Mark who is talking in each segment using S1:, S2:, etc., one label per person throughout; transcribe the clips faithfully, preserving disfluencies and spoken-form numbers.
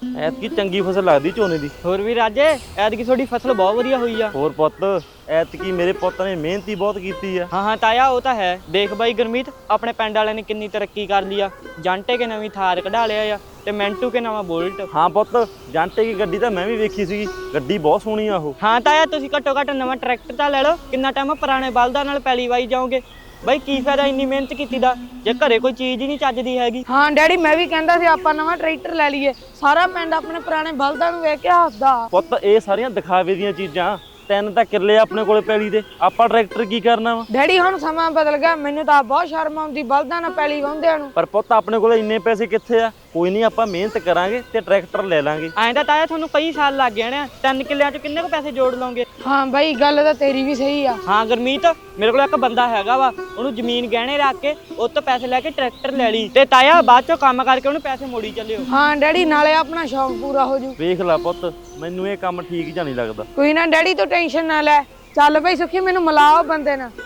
S1: ਐਤਕੀ ਚੰਗੀ ਫਸਲ ਲੱਗਦੀ ਝੋਨੇ ਦੀ।
S2: ਹੋਰ ਵੀ ਰਾਜੇ ਐਤਕੀ ਤੁਹਾਡੀ ਫਸਲ ਬਹੁਤ ਵਧੀਆ ਹੋਈ ਆ।
S1: ਹੋਰ ਪੁੱਤ ਐਤਕੀ ਮੇਰੇ ਪੁੱਤ ਨੇ ਮਿਹਨਤ ਹੀ ਬਹੁਤ ਕੀਤੀ ਆ।
S2: ਹਾਂ ਹਾਂ ਤਾਇਆ ਉਹ ਤਾਂ ਹੈ। ਦੇਖ ਬਾਈ ਗੁਰਮੀਤ ਆਪਣੇ ਪਿੰਡ ਵਾਲਿਆਂ ਨੇ ਕਿੰਨੀ ਤਰੱਕੀ ਕਰ ਲਈ ਆ। ਜਾਂਟੇ ਕੇ ਨਵੀਂ ਥਾਰ ਕਢਾ ਲਿਆ ਆ ਤੇ ਮੈਂਟੂ ਕੇ ਨਵਾਂ ਬੁਲਟ।
S1: ਹਾਂ ਪੁੱਤ ਜਾਂਟੇ ਕੀ ਗੱਡੀ ਤਾਂ ਮੈਂ ਵੀ ਵੇਖੀ ਸੀਗੀ, ਗੱਡੀ ਬਹੁਤ ਸੋਹਣੀ ਆ ਉਹ।
S2: ਹਾਂ ਤਾਇਆ ਤੁਸੀਂ ਘੱਟੋ ਘੱਟ ਨਵਾਂ ਟਰੈਕਟਰ ਤਾਂ ਲੈ ਲਓ। ਕਿੰਨਾ ਟਾਈਮ ਪੁਰਾਣੇ ਬਲਦਾਂ ਨਾਲ ਪੈਲੀ ਵਾਈ ਜਾਓਗੇ। ਬਾਈ ਕੀ ਫਾਇਦਾ ਇੰਨੀ ਮਿਹਨਤ ਕੀਤੀ ਦਾ ਜੇ ਘਰੇ ਕੋਈ ਚੀਜ਼ ਹੀ ਨਹੀਂ ਚੱਜਦੀ ਹੈਗੀ।
S3: ਹਾਂ ਡੈਡੀ ਮੈਂ ਵੀ ਕਹਿੰਦਾ ਸੀ ਆਪਾਂ ਨਵਾਂ ਟਰੈਕਟਰ ਲੈ ਲਈਏ। ਸਾਰਾ ਪਿੰਡ ਆਪਣੇ ਪੁਰਾਣੇ ਬਲਦਾਂ ਨੂੰ ਵੇਖ ਕੇ ਹੱਸਦਾ।
S1: ਪੁੱਤ ਇਹ ਸਾਰੀਆਂ ਦਿਖਾਵੇ ਦੀਆਂ ਚੀਜ਼ਾਂ, ਤਿੰਨ ਤਾਂ ਕਿੱਲੇ ਆਪਣੇ ਕੋਲੇ ਪੈਲੀ ਦੇ, ਆਪਾਂ ਟਰੈਕਟਰ ਕੀ ਕਰਨਾ ਵਾ।
S3: ਡੈਡੀ ਹੁਣ ਸਮਾਂ ਬਦਲ ਗਿਆ, ਮੈਨੂੰ ਤਾਂ ਬਹੁਤ ਸ਼ਰਮ ਆਉਂਦੀ ਬਲਦਾਂ ਨਾਲ ਪੈਲੀ ਵਾਹੁੰਦਿਆਂ ਨੂੰ।
S1: ਪਰ ਪੁੱਤ ਆਪਣੇ ਕੋਲੇ ਇੰਨੇ ਪੈਸੇ ਕਿੱਥੇ ਆ। ਕੋਈ ਨਹੀਂ ਆਪਾਂ ਮਿਹਨਤ ਕਰਾਂਗੇ ਤੇ ਟਰੈਕਟਰ ਲੈ ਲਾਂਗੇ।
S2: ਐਂ ਤਾਂ ਤਾਇਆ ਤੁਹਾਨੂੰ ਕਈ ਸਾਲ ਲੱਗ ਜਾਣੇ ਆ। ਤਿੰਨ ਕਿੱਲਿਆਂ 'ਚ ਕਿੰਨੇ ਕੁ ਪੈਸੇ ਜੋੜ ਲਓਗੇ।
S3: ਹਾਂ ਬਾਈ ਗੱਲ ਤਾਂ ਤੇਰੀ ਵੀ ਸਹੀ ਆ।
S2: ਹਾਂ ਗੁਰਮੀਤ ਮੇਰੇ ਕੋਲ ਇੱਕ ਬੰਦਾ ਹੈਗਾ ਵਾ, ਉਹਨੂੰ ਜ਼ਮੀਨ ਗਹਿਣੇ ਰੱਖ ਕੇ ਉਹ ਤੋਂ ਪੈਸੇ ਲੈ ਕੇ ਟਰੈਕਟਰ ਲੈ ਲਈ ਤੇ ਤਾਇਆ ਬਾਅਦ ਚੋਂ ਕੰਮ ਕਰਕੇ ਉਹਨੂੰ ਪੈਸੇ ਮੋੜੀ ਚੱਲਿਓ।
S3: ਹਾਂ ਡੈਡੀ ਨਾਲੇ ਆਪਣਾ ਸ਼ੌਂਕ ਪੂਰਾ ਹੋ ਜੂ।
S1: ਵੇਖ ਲੈ ਪੁੱਤ ਮੈਨੂੰ ਇਹ ਕੰਮ ਠੀਕ ਜਾਂ ਨਹੀਂ ਲੱਗਦਾ।
S3: ਕੋਈ ਨਾ ਡੈਡੀ ਤੂੰ ਟੈਨਸ਼ਨ ਨਾ ਲੈ। ਚੱਲ ਬਈ ਸੁਖੀ ਮੈਨੂੰ ਮਿਲਾਓ ਬੰਦੇ ਨਾਲ।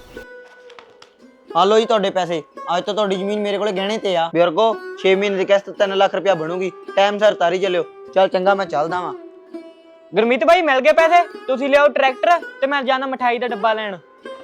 S4: ਆ ਲਓ ਜੀ ਤੁਹਾਡੇ ਪੈਸੇ। ਅੱਜ ਤੋਂ ਤੁਹਾਡੀ ਜ਼ਮੀਨ ਮੇਰੇ ਕੋਲੇ ਗਹਿਣੇ ਤੇ ਆ। ਬਜ਼ੁਰਗੋ ਛੇ ਮਹੀਨੇ ਦੀ ਕਿਸ਼ਤ ਤਿੰਨ ਲੱਖ ਰੁਪਇਆ ਬਣੂਗੀ। ਟਾਈਮ ਸਿਰ ਤਾਰੀ ਚੱਲਿਓ। ਚੱਲ ਚੰਗਾ ਮੈਂ ਚੱਲਦਾ ਵਾਂ।
S2: ਗੁਰਮੀਤ ਬਾਈ ਮਿਲ ਗਏ ਪੈਸੇ। ਤੁਸੀਂ ਲਿਆਓ ਟਰੈਕਟਰ ਤੇ ਮੈਂ ਜਾਣਾ ਮਠਾਈ ਦਾ ਡੱਬਾ ਲੈਣ।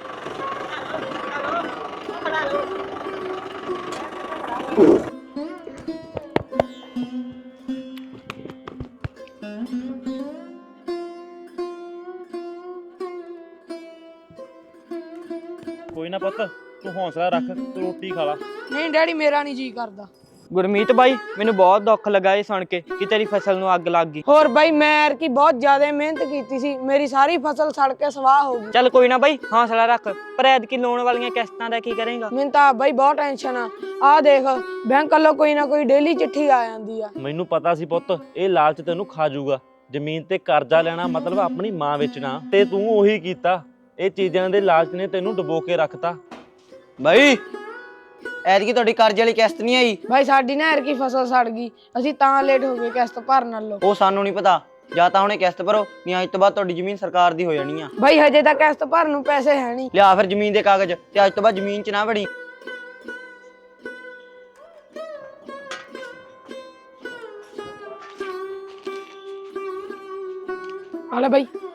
S1: ਕੋਈ ਨਾ ਪੁੱਤ ਤੂੰ ਹੌਸਲਾ ਰੱਖ, ਤੂੰ ਰੋਟੀ ਖਾ ਲਾ।
S3: ਨਹੀਂ ਡੈਡੀ ਮੇਰਾ ਨਹੀਂ ਜੀ ਕਰਦਾ।
S2: ਗੁਰਮੀਤ ਬਾਈ ਮੈਨੂੰ ਬਹੁਤ ਦੁੱਖ ਲੱਗਾ ਇਹ ਸੁਣ ਕੇ ਕਿ ਤੇਰੀ ਫਸਲ ਨੂੰ ਅੱਗ ਲੱਗ ਗਈ।
S3: ਹੋਰ ਬਾਈ ਮੈਂ ਐਰਕੀ ਬਹੁਤ ਜ਼ਿਆਦਾ ਮਿਹਨਤ ਕੀਤੀ ਸੀ, ਮੇਰੀ ਸਾਰੀ ਫਸਲ ਸੜ ਕੇ ਸਵਾਹ ਹੋ ਗਈ।
S2: ਚੱਲ ਕੋਈ ਨਾ ਬਾਈ ਹੌਸਲਾ ਰੱਖ। ਪਰ ਐਤਕੀ ਲੋਨ ਵਾਲੀਆਂ ਕਿਸ਼ਤਾਂ ਦਾ ਕੀ ਕਰੇਂਗਾ।
S3: ਮੈਨੂੰ ਤਾਂ ਬਾਈ ਬਹੁਤ ਟੈਨਸ਼ਨ ਆ। ਆਹ ਦੇਖ ਬੈਂਕ ਵੱਲੋਂ ਕੋਈ ਨਾ ਕੋਈ ਡੇਲੀ ਚਿੱਠੀ ਆ ਜਾਂਦੀ ਆ।
S1: ਮੈਨੂੰ ਪਤਾ ਸੀ ਪੁੱਤ ਇਹ ਲਾਲਚ ਤੈਨੂੰ ਖਾ ਜਾਊਗਾ। ਜ਼ਮੀਨ ਤੇ ਕਰਜ਼ਾ ਲੈਣਾ ਮਤਲਬ ਆਪਣੀ ਮਾਂ ਵੇਚਣਾ, ਤੇ ਤੂੰ ਉਹੀ ਕੀਤਾ। ਇਹ ਚੀਜ਼ਾਂ ਦੇ ਲਾਲਚ ਨੇ ਤੈਨੂੰ ਡੁਬੋ ਕੇ ਰੱਖਤਾ।
S4: ਬਾਈ ਐਤਕੀ ਤੁਹਾਡੀ ਕਰਜ਼ੇ ਵਾਲੀ ਕਿਸ਼ਤ ਨਹੀਂ ਆਈ।
S3: ਬਾਈ ਸਾਡੀ ਨਾ ਐਰਕੀ ਫਸਲ ਸੜ ਗਈ, ਅਸੀਂ ਤਾਂ ਲੇਟ ਹੋ ਗਏ ਕਿਸ਼ਤ ਭਰਨ ਨਾਲੋਂ।
S4: ਉਹ ਸਾਨੂੰ ਨਹੀਂ ਪਤਾ। ਜਾਂ ਤਾਂ ਹੁਣੇ ਕਿਸ਼ਤ ਭਰੋ, ਨਹੀਂ ਅੱਜ ਤੋਂ ਬਾਅਦ ਤੁਹਾਡੀ ਜ਼ਮੀਨ ਸਰਕਾਰ ਦੀ ਹੋ ਜਾਣੀ ਆ।
S3: ਬਾਈ ਹਜੇ ਤਾਂ ਕਿਸ਼ਤ ਭਰਨ ਨੂੰ ਪੈਸੇ ਹੈ ਨਹੀਂ।
S4: ਲਿਆ ਫਿਰ ਜ਼ਮੀਨ ਦੇ ਕਾਗਜ਼, ਤੇ ਅੱਜ ਤੋਂ ਬਾਅਦ ਜ਼ਮੀਨ 'ਚ ਨਾ ਵੜੀ।
S3: ਆ ਲੈ ਬਾਈ।